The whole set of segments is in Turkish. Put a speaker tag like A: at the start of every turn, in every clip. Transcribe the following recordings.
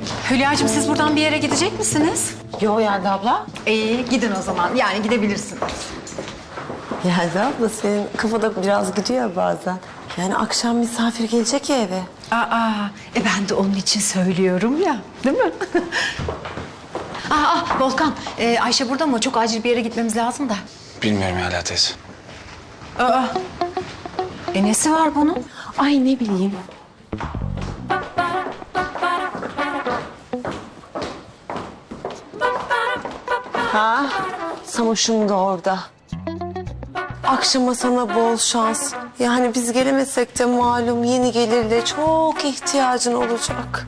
A: Hülya'cığım siz buradan bir yere gidecek misiniz?
B: Yo Yelda abla.
A: İyi gidin o zaman. Yani gidebilirsiniz.
B: Yelda abla senin kafada biraz gidiyor bazen. Yani akşam misafir gelecek ya eve.
A: Ben de onun için söylüyorum ya. Değil mi? Volkan, Ayşe burada mı? Çok acil bir yere gitmemiz lazım da.
C: Bilmiyorum hala teyze.
A: Nesi var bunun?
B: Ay ne bileyim. Ha, Samoş'um da orada. Akşama sana bol şans. Yani biz gelemesek de malum yeni gelirle çok ihtiyacın olacak.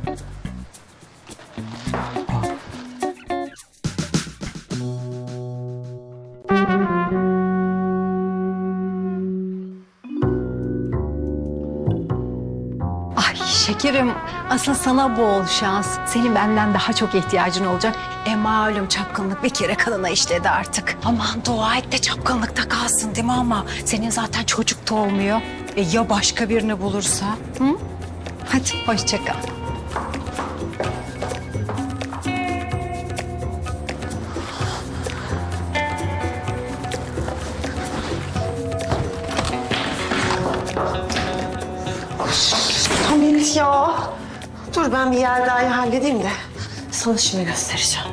A: Ay şekerim, asıl sana bol şans. Senin benden daha çok ihtiyacın olacak. Malum çapkınlık bir kere kanına işledi artık. Aman dua et de çapkınlıkta kalsın değil mi ama? Senin zaten çocuk da olmuyor. Ya başka birini bulursa? Hı? Hadi hoşça kal.
B: Hamit ya. Dur ben bir Yelda'yı halledeyim de sana şimdi göstereceğim.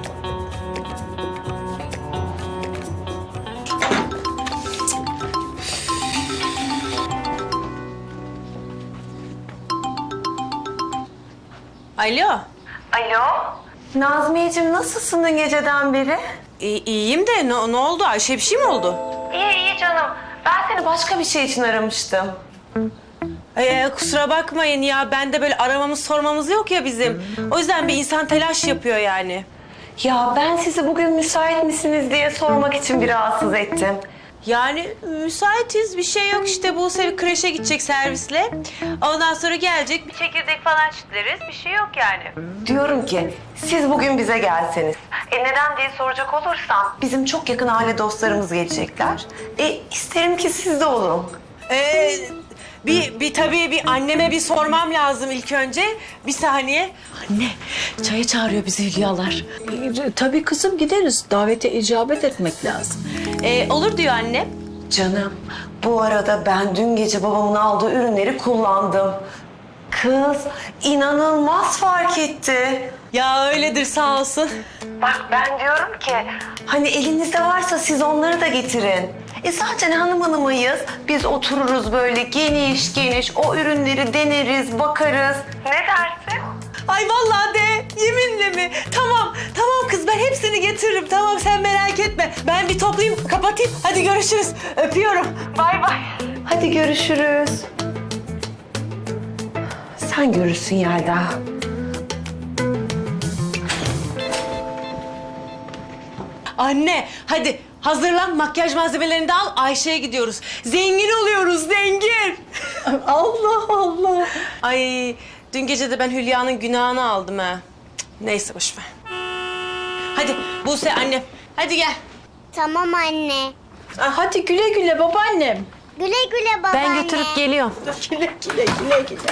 D: Alo.
B: Alo. Nazmiyeciğim nasılsın dün geceden beri?
D: İyiyim de ne oldu? Ayşe bir şey mi oldu?
B: İyi canım. Ben seni başka bir şey için aramıştım.
D: Kusura bakmayın ya. Ben de böyle aramamız sormamız yok ya bizim. O yüzden bir insan telaş yapıyor yani.
B: Ya ben sizi bugün müsait misiniz diye sormak için bir rahatsız ettim.
D: Yani müsaitiz. Bir şey yok işte. Buse kreşe gidecek servisle. Ondan sonra gelecek. Bir çekirdek falan çitleriz. Bir şey yok yani.
B: Diyorum ki siz bugün bize gelseniz. Neden diye soracak olursam bizim çok yakın aile dostlarımız gelecekler. İsterim ki siz de olun.
D: Tabii bir anneme bir sormam lazım ilk önce. Bir saniye.
E: Anne, çaya çağırıyor bizi Hülyalar.
F: Tabii kızım gideriz. Davete icabet etmek lazım.
D: Olur diyor annem.
B: Canım bu arada ben dün gece babamın aldığı ürünleri kullandım. Kız inanılmaz fark etti.
D: Ya öyledir sağ olsun.
B: Bak ben diyorum ki hani elinizde varsa siz onları da getirin. Zaten hanımıyız. Biz otururuz böyle geniş geniş o ürünleri deneriz, bakarız. Ne dersin?
D: Ay vallahi de yeminle mi? Tamam kız ben hepsini getiririm. Tamam sen merak etme. Ben bir toplayayım kapatayım. Hadi görüşürüz. Öpüyorum. Bay bay.
B: Hadi görüşürüz. Sen görürsün Yelda.
D: Anne hadi hazırlan makyaj malzemelerini de al. Ayşe'ye gidiyoruz. Zengin oluyoruz zengin.
F: Allah Allah.
D: Ay dün gece de ben Hülya'nın günahını aldım ha. Cık, neyse boş ver. Hadi Buse annem. Hadi gel.
G: Tamam anne.
F: Hadi güle güle babaannem.
G: Güle güle babaanne.
D: Ben götürüp geliyorum.
F: Güle güle güle güle.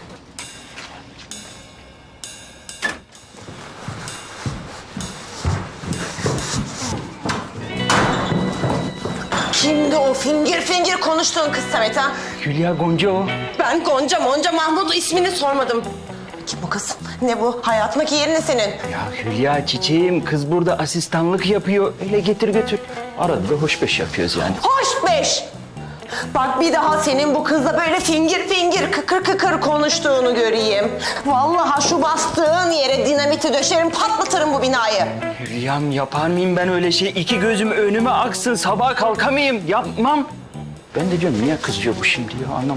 B: Kimdi o fingir fingir konuştuğun kız Samet ha?
C: Hülya Gonca o.
B: Ben Gonca Mahmut ismini sormadım. Kim bu kız? Ne bu? Hayatındaki yerin ne senin?
C: Ya Hülya çiçeğim kız burada asistanlık yapıyor. Öyle getir götür. Arada da hoşbeş yapıyoruz yani.
B: Hoş beş! Bak bir daha senin bu kızla böyle fingir fingir kıkır kıkır konuştuğunu göreyim. Vallahi şu bastığın yere dinamiti döşerim patlatırım bu binayı.
C: Hülyam yapar mıyım ben öyle şey? İki gözüm önüme aksın sabaha kalkamayayım. Yapmam. Ben de diyorum niye kızıyor bu şimdi ya anlamadım.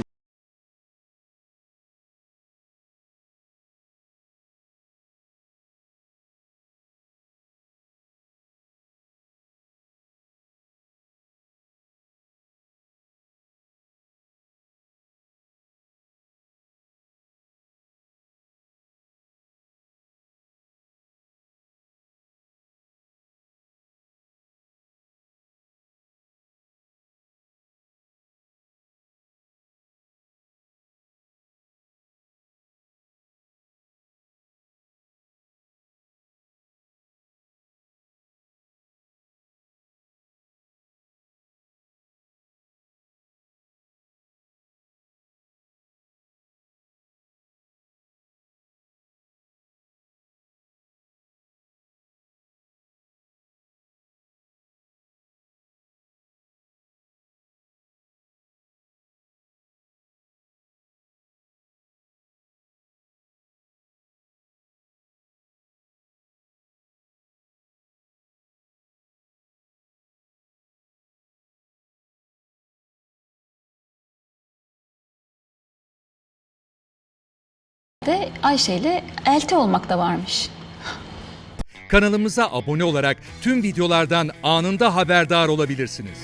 H: de Ayşe ile elti olmak da varmış.
I: Kanalımıza abone olarak tüm videolardan anında haberdar olabilirsiniz.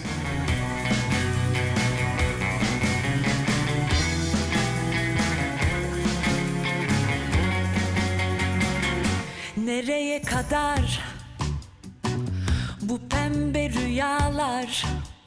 J: Nereye kadar bu pembe rüyalar?